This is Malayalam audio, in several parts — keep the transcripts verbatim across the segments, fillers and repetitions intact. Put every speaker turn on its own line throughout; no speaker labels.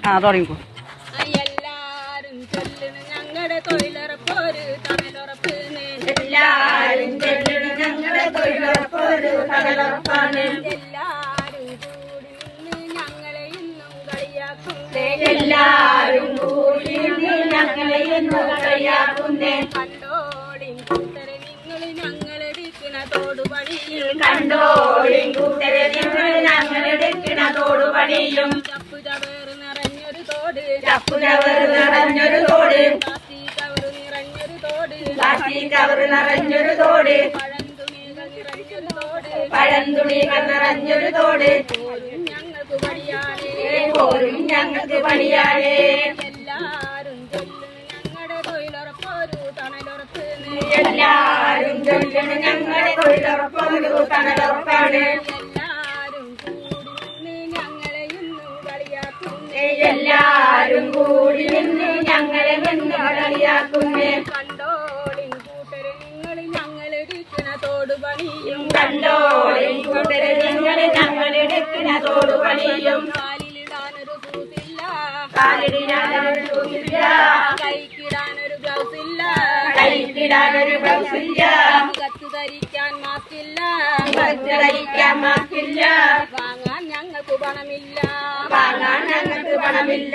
ആ തുടങ്ങിക്കോ.
എല്ലാരും ചൊല്ലണ് ഞങ്ങളുടെ തൊഴിലുറപ്പൊരു തണലുറപ്പ്. എല്ലാരും ചൊല്ലണ് ഞങ്ങളുടെ തൊഴിലുറപ്പൊരു തണലുറപ്പാണ്. എല്ലാരും കൂടി നിന്ന് ഞങ്ങളെ ഇന്നും കളിയാക്കുന്നേ. എല്ലാരും കൂടി നിന്ന് ഞങ്ങളെ ഇന്നും കളിയാക്കുന്നേ. കണ്ടോളിൻ കൂട്ടരെ നിങ്ങൾ ഞങ്ങളെടുക്കണ തോടുപണിയും. കണ്ടോളിൻ കൂട്ടരെ നിങ്ങൾ ഞങ്ങളെടുക്കണ തോടുപണിയും. ചപ്പു ചവേറ് നിറഞ്ഞൊരു തോട്. ചപ്പു ചവറ് നിറഞ്ഞൊരു തോട്. പ്ലാസ്റ്റിക് കവറ് നിറഞ്ഞൊരു തോട്. പ്ലാസ്റ്റിക് കവറ് നിറഞ്ഞൊരു തോട്. പഴന്തുണികൾ നിറഞ്ഞൊരു തോട്. പഴന്തുണികൾ നിറഞ്ഞൊരു തോട്. പോരും ഞങ്ങൾക്ക് പണിയാനേ. പോരും ഞങ്ങൾക്ക് പണിയാനേ. എല്ലാരും ചൊല്ലുന്നു ഞങ്ങളുടെ തൊഴിലുറപ്പൊരു തണലുറപ്പ്. എല്ലാരും ചൊല്ലുന്നു ഞങ്ങളുടെ തൊഴിലുറപ്പൊരു തണലുറപ്പാണ്. എല്ലാരും കൂടി നിന്ന് ഞങ്ങളെ ഇന്നും കളിയാക്കുന്നേ. എല്ലാരും കൂടി നിന്ന് ഞങ്ങളെ ഇന്നും കളിയാക്കുന്നേ. കണ്ടോളിൻ കൂട്ടരെ നിങ്ങൾ ഞങ്ങളെടുക്കണ തോടുപണിയും. കണ്ടോളിൻ കൂട്ടരെ നിങ്ങൾ ഞങ്ങളെടുക്കണ തോടുപണിയും. കാലിലിടാനൊരു ഷൂസില്ല. കാലിടാനൊരു ഷൂസില്ല. കൈക്കിടാനൊരു ഗ്ലൗസ് ഇല്ല. കൈക്കിടാനൊരു ഗ്ലൗസ് ഇല്ല. മുഖത്ത് ധരിക്കാൻ മാസ്കില്ല. മുഖത്ത് ധരിക്കാൻ മാസ്കില്ല. വാങ്ങാൻ ഞങ്ങൾക്ക് പണമില്ല. വാങ്ങാൻ ഞങ്ങൾക്ക് പണമില്ല.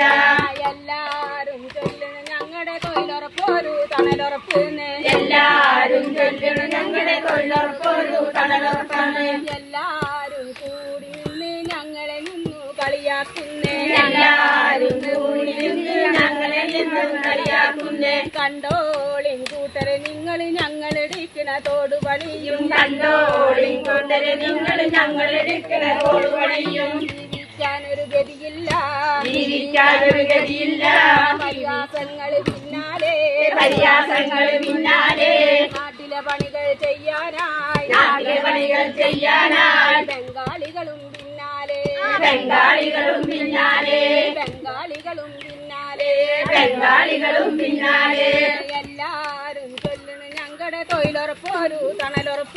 എല്ലാരും ചൊല്ലണ ഞങ്ങളുടെ തൊഴിലുറപ്പൊരു തണലുറപ്പ്. എല്ലാരും ചൊല്ലണ ഞങ്ങളുടെ തൊഴിലുറപ്പൊരു തണലുറപ്പാണ്. എല്ലാരും കൂടി നിന്ന് ഞങ്ങളെ നിന്നു കളിയാക്കുന്നേ. എല്ലാരും കൂടി നിന്ന് ഞങ്ങളെ നിന്നു കളിയാക്കുന്നേ. കണ്ടോളിൻ കൂട്ടരെ നിങ്ങൾ ഞങ്ങളെടുക്കണ തോടുപണിയും. കണ്ടോളിൻ കൂട്ടരെ നിങ്ങൾ ഞങ്ങളെടുക്കണ തോടുപണിയും. ജീവിക്കാനൊരു ഗതിയില്ല. ജീവിക്കാനൊരു ഗതിയില്ല. പരിഹാസങ്ങൾ പിന്നാലെ. പരിഹാസങ്ങൾ പിന്നാലെ. നാട്ടിലെ പണികൾ ചെയ്യാനായി. നാട്ടിലെ പണികൾ ചെയ്യാനായി. ബംഗാളികളും പിന്നാലെ. ബംഗാളികളും പിന്നാലെ. ബംഗാളികളും പിന്നാലെ. ബംഗാളികളും പിന്നാലെ. എല്ലാരും ചൊല്ലണു ഞങ്ങളുടെ തൊഴിലുറപ്പൊരു തണലുറപ്പ്.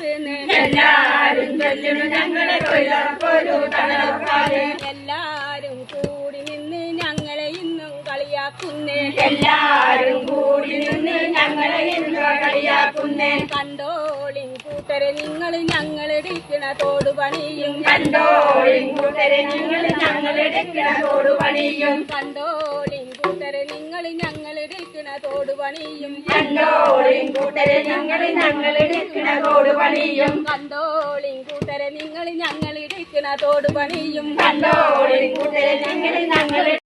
എല്ലാരും ചൊല്ലണു ഞങ്ങളുടെ തൊഴിലുറപ്പൊരു തണലുറപ്പാണ്. എല്ലാരും കൂടി നിന്ന് ഞങ്ങളെ ഇന്നും കളിയാക്കുന്നേ. എല്ലാരും കൂടി നിന്ന് ഞങ്ങളെ ഇന്നും കളിയാക്കുന്നേ. കണ്ടോളിൻ കൂട്ടരെ നിങ്ങൾ ഞങ്ങളെടുക്കണ തോടുപണിയും. കണ്ടോളിൻ കൂട്ടരെ നിങ്ങൾ ഞങ്ങളെടുക്കണ തോടുപണിയും. കണ്ടോളിൻ കൂട്ടരെ നിങ്ങൾ ഞങ്ങളെടുക്കണ തോടുപണിയും. കണ്ടോളിൻ കൂട്ടരെ നിങ്ങൾ ഞങ്ങളെടുക്കണ തോടുപണിയും. കണ്ടോളിൻ കൂട്ടരെ നിങ്ങൾ ഞങ്ങളെടുക്കണ തോടുപണിയും. കണ്ടോളിൻ കൂട്ടരെ നിങ്ങൾ ഞങ്ങൾ